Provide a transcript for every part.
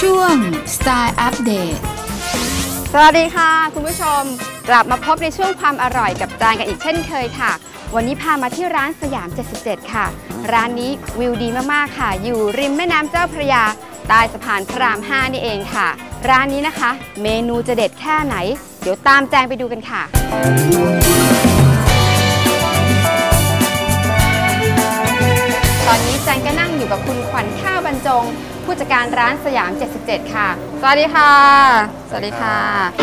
ช่วง Style Update สวัสดีค่ะคุณผู้ชมกลับมาพบในช่วงความอร่อยกับจานกันอีกเช่นเคยค่ะวันนี้พามาที่ร้านสยาม 77 ค่ะร้านนี้วิวดีมากๆค่ะอยู่ริมแม่น้ำเจ้าพระยาใต้สะพานพระราม 5 นี่เองค่ะร้านนี้นะคะเมนูจะเด็ดแค่ไหนเดี๋ยวตามแจงไปดูกันค่ะตอนนี้แจงก็นั่งอยู่กับคุณขวัญข้าวบรรจงผู้จัดการร้านสยาม 77 ค่ะสวัสดีค่ะสวัสดีค่ะ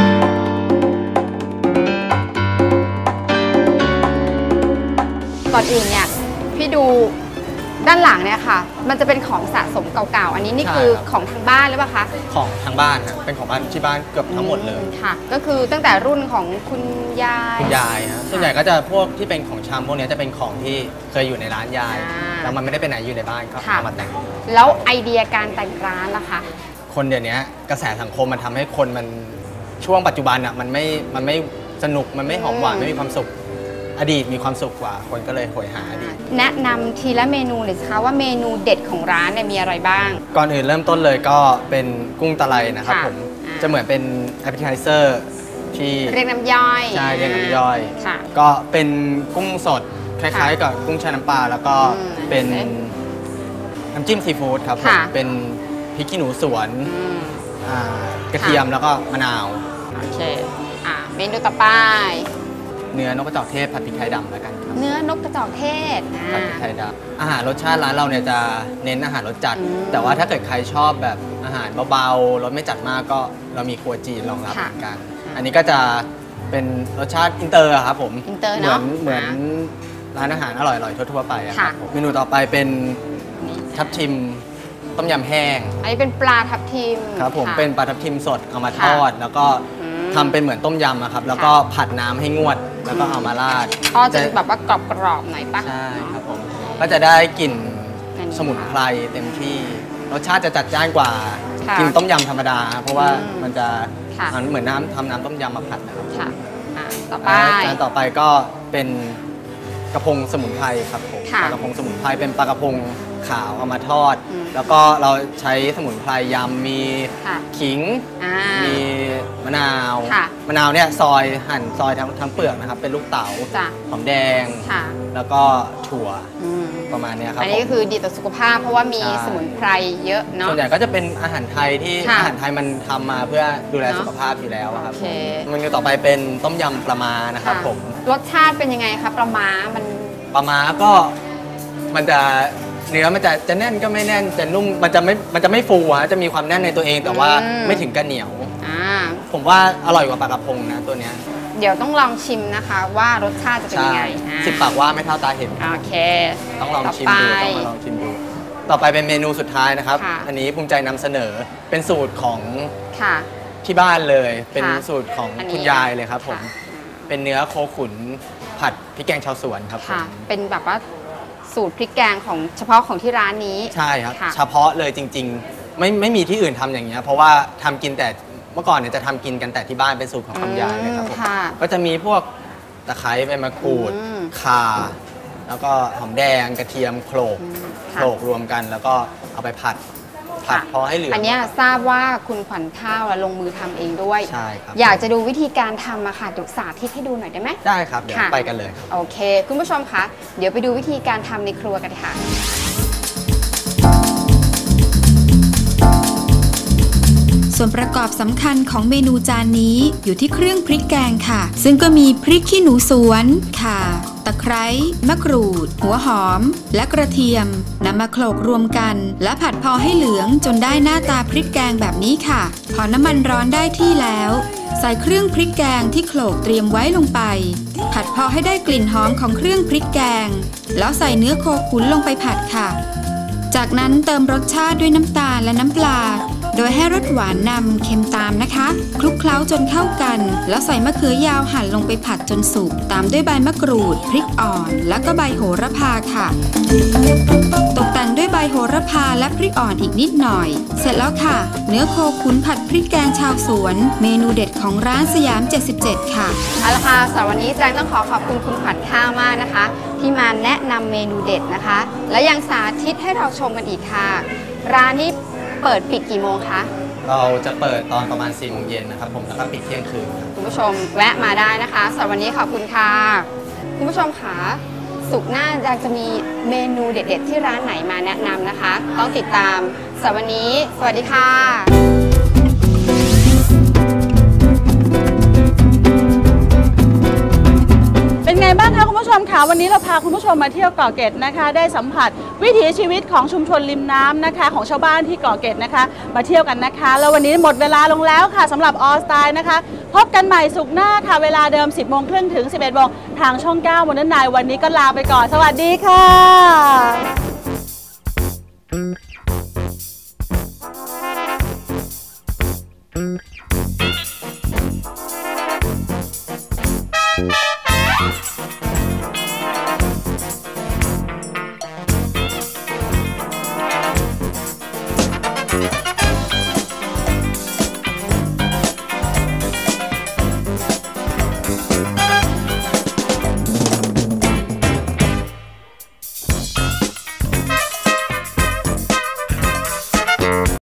ก่อนอื่นเนี่ยพี่ดูด้านหลังเนี่ยค่ะมันจะเป็นของสะสมเก่าๆอันนี้นี่คือของทางบ้านหรือเปล่าคะของทางบ้านครับเป็นของบ้านที่บ้านเกือบทั้งหมดเลยค่ะก็คือตั้งแต่รุ่นของคุณยายฮะส่วนใหญ่ก็จะพวกที่เป็นของชำพวกนี้จะเป็นของที่เคยอยู่ในร้านยายแล้วมันไม่ได้ไปไหนอยู่ในบ้านก็เอามาแต่งแล้วไอเดียการแต่งร้านล่ะคะคนเดี๋ยวนี้กระแสสังคมมันทำให้คนมันช่วงปัจจุบันอ่ะมันไม่สนุกมันไม่หอมหวานไม่มีความสุขอดีตมีความสุขกว่าคนก็เลยโหยหาอดีตแนะนำทีละเมนูหน่อยสิคะว่าเมนูเด็ดของร้านเนี่ยมีอะไรบ้างก่อนอื่นเริ่มต้นเลยก็เป็นกุ้งตะไลนะครับผมจะเหมือนเป็น appetizer ที่เรียกน้ำย่อยใช่เรียกน้ำย่อยก็เป็นกุ้งสดคล้ายๆกับกุ้งแช่น้ำปลาแล้วก็เป็นน้ำจิ้มซีฟู้ดครับผมเป็นพริกขี้หนูสวนกระเทียมแล้วก็มะนาวโอเคเมนูต่อไปเนื้อนกกระจอกเทศผัดพริกไทยดำแล้วกันครับเนื้อนกกระจอกเทศผัดพริกไทยดำอาหารรสชาติร้านเราเนี่ยจะเน้นอาหารรสจัดแต่ว่าถ้าเกิดใครชอบแบบอาหารเบาๆรสไม่จัดมากก็เรามีครัวจีนรองรับเหมือนกันอันนี้ก็จะเป็นรสชาติอินเตอร์ครับผมอินเตอร์เนาะเหมือนร้านอาหารอร่อยๆทั่วๆไปครับเมนูต่อไปเป็นทับทิมต้มยำแห้งอันนี้เป็นปลาทับทิมครับผมเป็นปลาทับทิมสดเอามาทอดแล้วก็ทำเป็นเหมือนต้มยำครับแล้วก็ผัดน้ำให้งวดแล้วก็เอามาราดก็จะแบบว่ากรอบๆหน่อยปะใช่ครับผมก็จะได้กลิ่นสมุนไพรเต็มที่รสชาติจะจัดจ้านกว่ากินต้มยำธรรมดาเพราะว่ามันจะเหมือนทำน้ำต้มยำมาผัดนะครับต่อไปจานต่อไปก็เป็นกระพงสมุนไพรครับผมปลากระพงสมุนไพรเป็นปลากระพงขาวเอามาทอดแล้วก็เราใช้สมุนไพรยำมีขิงมีมะนาวเนี่ยหั่นซอยทั้งเปลือกนะครับเป็นลูกเต๋าหอมแดงแล้วก็ถั่วประมาณนี้ครับอันนี้ก็คือดีต่อสุขภาพเพราะว่ามีสมุนไพรเยอะเนาะส่วนใหญ่ก็จะเป็นอาหารไทยที่อาหารไทยมันทำมาเพื่อดูแลสุขภาพอยู่แล้วครับเมนูต่อไปเป็นต้มยำปลาม้านะครับผมรสชาติเป็นยังไงครับปลาม้าก็มันจะเนื้อมันจะแน่นก็ไม่แน่นจะนุ่มมันจะไม่ฟูจะมีความแน่นในตัวเองแต่ว่าไม่ถึงกับเหนียวผมว่าอร่อยกว่าปลากระพงนะตัวเนี้ยเดี๋ยวต้องลองชิมนะคะว่ารสชาติจะเป็นยังไง 10 ปากว่าไม่เท่าตาเห็นโอเคต้องลองชิมดูต่อไปเป็นเมนูสุดท้ายนะครับอันนี้ภูมิใจนำเสนอเป็นสูตรของที่บ้านเลยเป็นสูตรของคุณยายเลยครับผมเป็นเนื้อโคขุนผัดพริกแกงชาวสวนครับเป็นแบบว่าสูตรพริกแกงของเฉพาะของที่ร้านนี้ใช่ครับเฉพาะเลยจริงๆไม่มีที่อื่นทำอย่างเงี้ยเพราะว่าทำกินแต่เมื่อก่อนเนี่ยจะทำกินกันแต่ที่บ้านเป็นสูตรของคุณยายเลยครับผมก็จะมีพวกตะไคร้ใบมะกรูดข่าแล้วก็หอมแดงกระเทียมโขลกรวมกันแล้วก็เอาไปผัดพอให้เหลืองอันนี้ทราบว่าคุณขวัญข้าวลงมือทำเองด้วยใช่ครับอยากจะดูวิธีการทำอะค่ะดูสาธิตให้ดูหน่อยได้ไหมได้ครับเดี๋ยวไปกันเลยโอเคคุณผู้ชมคะเดี๋ยวไปดูวิธีการทำในครัวกันค่ะส่วนประกอบสำคัญของเมนูจานนี้อยู่ที่เครื่องพริกแกงค่ะซึ่งก็มีพริกขี้หนูสวนข่าตะไคร้มะกรูดหัวหอมและกระเทียมนำมาโขลกรวมกันและผัดพอให้เหลืองจนได้หน้าตาพริกแกงแบบนี้ค่ะพอน้ำมันร้อนได้ที่แล้วใส่เครื่องพริกแกงที่โขลกเตรียมไว้ลงไปผัดพอให้ได้กลิ่นหอมของเครื่องพริกแกงแล้วใส่เนื้อโคขุนลงไปผัดค่ะจากนั้นเติมรสชาติด้วยน้ำตาลและน้ำปลาโดยให้รสหวานนำเค็มตามนะคะคลุกเคล้าจนเข้ากันแล้วใส่มะเขือยาวหั่นลงไปผัดจนสุกตามด้วยใบมะกรูดพริกอ่อนแล้วก็ใบโหระพาค่ะตกแต่งด้วยใบโหระพาและพริกอ่อนอีกนิดหน่อยเสร็จแล้วค่ะเนื้อโคขุนผัดพริกแกงชาวสวนเมนูเด็ดของร้านสยาม 77 ค่ะเอาละค่ะสำหรับวันนี้แจงต้องขอบคุณคุณขวัญข้าวมากนะคะที่มาแนะนำเมนูเด็ดนะคะและยังสาธิตให้เราชมกันอีกค่ะร้านนี้เปิดปิดกี่โมงคะเราจะเปิดตอนประมาณ4 โมงเย็นนะครับผมแล้วก็ปิดเที่ยงคืนคุณผู้ชมแวะมาได้นะคะสำหรับวันนี้ขอบคุณค่ะคุณผู้ชมค่ะศุกร์หน้าจะมีเมนูเด็ดๆที่ร้านไหนมาแนะนำนะคะต้องติดตามสำหรับวันนี้สวัสดีค่ะเป็นไงบ้างคะคุณผู้ชมคะวันนี้เราพาคุณผู้ชมมาเที่ยวเกาะเกร็ดนะคะได้สัมผัสวิถีชีวิตของชุมชนริมน้ำนะคะของชาวบ้านที่เกาะเกร็ดนะคะมาเที่ยวกันนะคะแล้ววันนี้หมดเวลาลงแล้วค่ะสำหรับออสไตล์นะคะพบกันใหม่ศุกร์หน้าค่ะเวลาเดิม 10 โมงครึ่งถึง 11 โมงทางช่อง 9 Modern Night วันนี้ก็ลาไปก่อนสวัสดีค่ะ